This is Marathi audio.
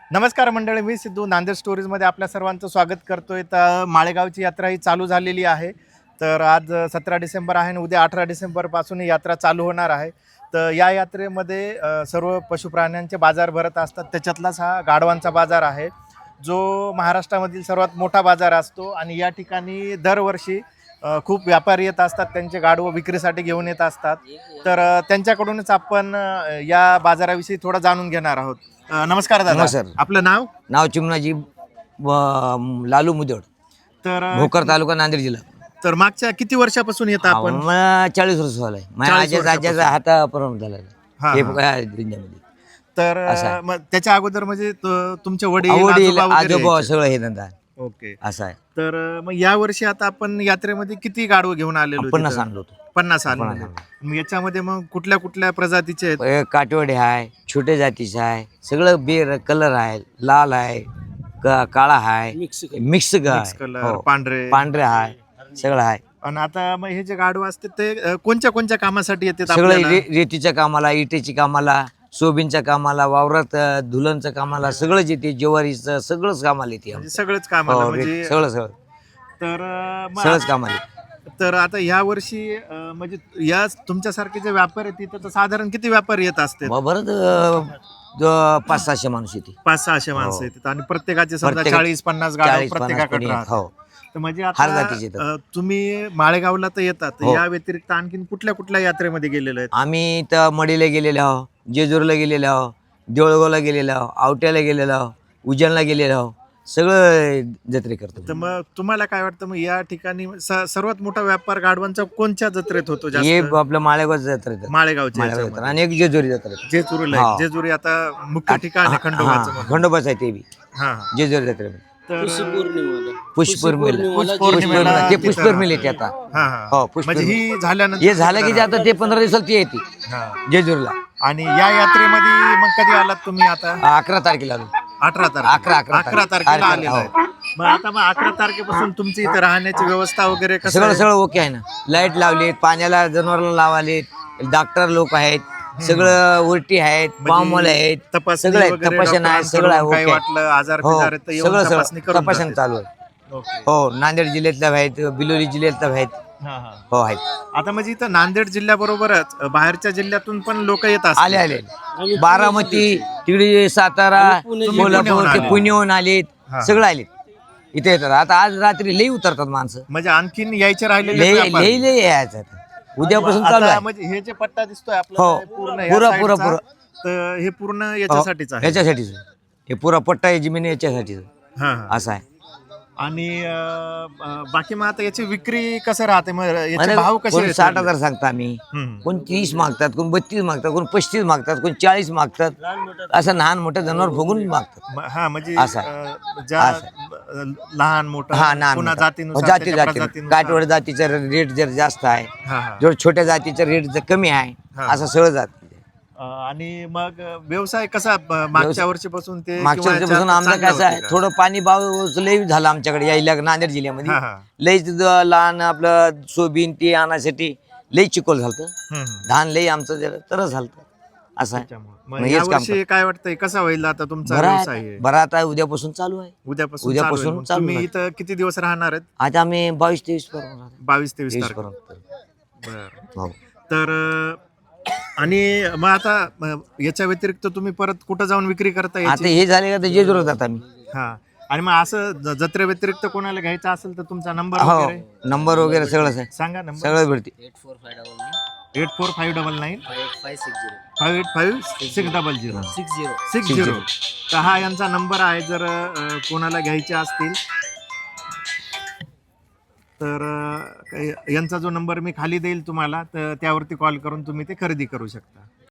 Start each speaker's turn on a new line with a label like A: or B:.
A: नमस्कार मंडळी, मी सिद्धू नांदेड स्टोरीजमध्ये आपल्या सर्वांचं स्वागत करतोय. तर माळेगावची यात्रा ही चालू झालेली आहे. तर आज 17 डिसेंबर आहे आणि उद्या 18 डिसेंबरपासून ही यात्रा चालू होणार आहे. तर या यात्रेमध्ये सर्व पशुप्राण्यांचे बाजार भरत असतात. त्याच्यातलाच हा गाढवांचा बाजार आहे, जो महाराष्ट्रामधील सर्वात मोठा बाजार असतो. आणि या ठिकाणी दरवर्षी खूप व्यापारी येत असतात, त्यांचे गाढवं विक्रीसाठी घेऊन येत असतात. तर त्यांच्याकडूनच आपण या बाजाराविषयी थोडं जाणून घेणार आहोत. नमस्कार दादा.
B: नमस्कार.
A: आपलं नाव?
B: नाव चिमणाजी लालू मुदड,
A: तर
B: भोकर तालुका, नांदेड जिल्हा.
A: तर मागच्या किती वर्षापासून येत आपण?
B: मला 40 वर्ष झालंय. माझ्या
A: 40
B: आजीचा
A: वर्षापासून.
B: हातापर्यंत झालेला
A: हा,
B: हे
A: हा.
B: बघा दुनियामध्ये.
A: तर
B: असं आहे.
A: मग त्याच्या अगोदर म्हणजे तुमचे वडील
B: आवडील
A: आजोबा वगैरे
B: आजोबा
A: यायचे?
B: सगळं हे धंदा
A: ओके.
B: असं आहे.
A: तर मग या वर्षी आता आपण यात्रेमध्ये किती गाढवं घेऊन आलेलो?
B: 50 आणलो होतो.
A: 50 आणले.
B: 50 आणले.
A: मग याच्यामध्ये मग कुठल्या कुठल्या प्रजातीचे आहेत?
B: काटवडे आहे, छोटे जातीचं आहे, सगळं बेर कलर आहे, लाल आहे, काळा आहे, मिक्स
A: मिक्स
B: आहे,
A: कलर,
B: हो.
A: पांढरे.
B: पांढरे आहे, सगळं आहे.
A: आणि आता मग हे जे गाढवं असते ते कोणत्या कोणत्या कामासाठी येतात
B: सगळं
A: आपल्याला?
B: रेतीच्या कामाला, इटेची कामाला, सोयाबीनच्या कामाला, वावरात धुलनचं कामाला, सगळंच येते. ज्वारीचं सगळंच कामाला येते.
A: म्हणजे सगळंच कामाला
B: हो,
A: म्हणजे
B: सगळं सगळं
A: तर
B: सगळंच कामाला येते.
A: तर आता ह्या वर्षी म्हणजे या तुमच्यासारखे जे व्यापारी आहेत तिथं तर साधारण किती व्यापारी येत असते?
B: बरंच 500-600 माणूस येते.
A: 500-600 माणसं
B: हो.
A: येतात आणि प्रत्येकाचे समजा
B: प्रत्येक-
A: 40-50 गाडव
B: 40-50
A: प्रत्येकाकडे
B: कोणी,
A: राहतात.
B: हो.
A: तर म्हणजे
B: हर
A: आता
B: जातीचे येतात.
A: तुम्ही माळेगावला तर येतात,
B: हो.
A: या व्यतिरिक्त आणखीन कुठल्या कुठल्या यात्रेमध्ये गेलेले आहेत?
B: आम्ही तर मडीला गेलेलो आहो, जेजूरला गेलेलो आहो, देऊळगावला गेलेलो आहो, आवट्याला गेलेलो आहो, उज्जैनला गेलेलो आहो. सगळं जत्रे करतो.
A: तर मग तुम्हाला काय वाटतं, मग या ठिकाणी सर्वात मोठा व्यापार गाढवांचा कोणत्या जत्रेत होतो
B: हे
A: जास्त?
B: आपलं माळेगाव जत्रा येतात.
A: माळेगावच्या
B: माळेगाव
A: याच्यामध्ये.
B: जत्रा आणि एक जेजुरी जत्रा येते.
A: जेजुरीला आहे.
B: हा.
A: जेजुरी आता मुख्य ठिकाण आहे खंडोबाचं
B: हा,
A: म्हणून.
B: खंडोबाच आहे ते बी
A: हा, हा.
B: जेजुरी जत्रेमध्ये.
A: तर
B: पुष्पौर्णिमेला
A: पुष्पौर्णिमेला
B: ते
A: तिथं
B: पुष्पौर्णिमेला येते आता.
A: हा, हा.
B: हो,
A: म्हणजे
B: पुष्पौर्णिमा.
A: ही झाल्यानंतर
B: हे झालं की ते आता ते 15 दिवसाला ती येते
A: हा.
B: जेजुरीला.
A: आणि या यात्रेमध्ये मग कधी आलात तुम्ही? आता
B: 11 तारखेला आलो.
A: 18 तारखेला.
B: 11
A: 11 तारखेला
B: हो.
A: आलेला आहे. मग आता मग 11 तारखेपासून तुमची इथे राहण्याची व्यवस्था वगैरे कसं
B: सगळं
A: आहे?
B: सगळं ओके आहे ना. लाईट लावलीत, पाण्याला जनावरांना लावालेत, डॉक्टर लोक आहेत, सगळं उलटी आहेत, पामवाले आहेत,
A: तपासणी
B: सगळं आहे,
A: वगैरे
B: तपासण आहे, सगळं आहे,
A: डॉक्टरांकडून काही
B: ओके.
A: वाटलं आजार
B: हो,
A: बिजार आहे तर येऊन
B: सगळं
A: तपासणी
B: सगळं
A: करून
B: तपासण
A: जाते.
B: चालू आहे.
A: ओके.
B: हो, नांदेड जिल्ह्यातल्या आहेत, बिलोली जिल्ह्यातल्या आहेत.
A: हा, हा.
B: हो, आहेत.
A: आता म्हणजे इथं नांदेड जिल्ह्याबरोबरच बाहेरच्या जिल्ह्यातून पण लोक येत
B: आले
A: असतात.
B: आले बारामती, तिकडे सातारा,
A: पुण्याहून
B: कोल्हापूर,
A: आले.
B: ते पुण्याहून आलेत,
A: हा.
B: सगळं आलेत. इथे येतात. आता आज रात्री लई उतरतात माणसं.
A: म्हणजे आणखीन यायचे राहिलेले
B: लई
A: व्यापारी.
B: लई लई यायचं आता. उद्यापासून चालू
A: आता
B: आहे.
A: म्हणजे हे जे पट्टा दिसतोय
B: हो.
A: आपल्याला पूर्ण या
B: पुरा,
A: साईडचा,
B: पुरा.
A: तर हे पूर्ण याच्यासाठीच आहे.
B: याच्यासाठीच हे पुरा पट्टा आहे जमीन याच्यासाठीच
A: हा, हा.
B: असं आहे.
A: आणि बाकी मग आता याची विक्री कसं राहते, मग याचे भाव कसे
B: कोण
A: आहेत?
B: 60,000 सांगता आम्ही,
A: हम्म.
B: कोण 30 मागतात, कोण 32 मागतात, कोण 35 मागतात, कोण 40 मागतात. असं लहान मोठं जनावर बघून मागतात.
A: हा म्हणजे
B: असं
A: ज्या लहान मोठं
B: हा ना,
A: पुन्हा जातीनुसार
B: जाती
A: त्याच्या
B: जाती
A: प्रजातीनुसार.
B: काटवड जातीचा रेट जर जास्त आहे,
A: हा, हा.
B: जर छोट्या जातीचा रेट जर कमी आहे,
A: हा.
B: असं सगळं जात.
A: आणि मग व्यवसाय कसा मागच्या वर्षीपासून ते
B: मागच्या
A: किंवा
B: वर्षीपासून
A: याच्या
B: आमचं
A: चांगलं
B: कसं आहे,
A: होतं का?
B: थोडं पाणी भाव लई झालं आमच्याकडे यायला नांदेड जिल्ह्यामध्ये.
A: हा, हा.
B: लईच लहान आपलं सोयाबीन ते आणण्यासाठी लई चिकोल झालं.
A: हम्म.
B: धान लई आमचं जरा तरच झालं. असं आहे.
A: त्याच्यामुळे.
B: मग
A: मग
B: हेच काम
A: यावर्षी काय वाटतंय कसा होईल आता तुमचा
B: बरं
A: व्यवसाय
B: आहे.
A: आहे?
B: बरं आता उद्यापासून चालू आहे.
A: उद्यापासून
B: उद्यापासून
A: चालू होईल. मग
B: चालू
A: तुम्ही
B: आहे.
A: इथं किती दिवस राहणार आहेत?
B: आता आम्ही 22-23 पर्यंत
A: 22-23
B: 23
A: तारखेला.
B: पर्यंत.
A: बरं.
B: हो.
A: तर आणि मग आता याच्या व्यतिरिक्त तुम्ही परत कुठं जाऊन विक्री करता
B: आता
A: याची?
B: हे झाले का तर जेजुरीला जात आम्ही.
A: हा. आणि मग असं जत्रे व्यतिरिक्त कोणाला घ्यायचं असेल तर तुमचा नंबर
B: हो,
A: वगैरे
B: नंबर वगैरे सगळंच आहे,
A: सांगा. नंबर
B: सगळं भेटते.
A: 8459 585600 60. तर हा यांचा नंबर आहे, जर कोणाला घ्यायचे असतील तर यांचा जो नंबर मी खाली देईल तुम्हाला, तर त्यावरती कॉल करून तुम्ही ते खरेदी करू शकता.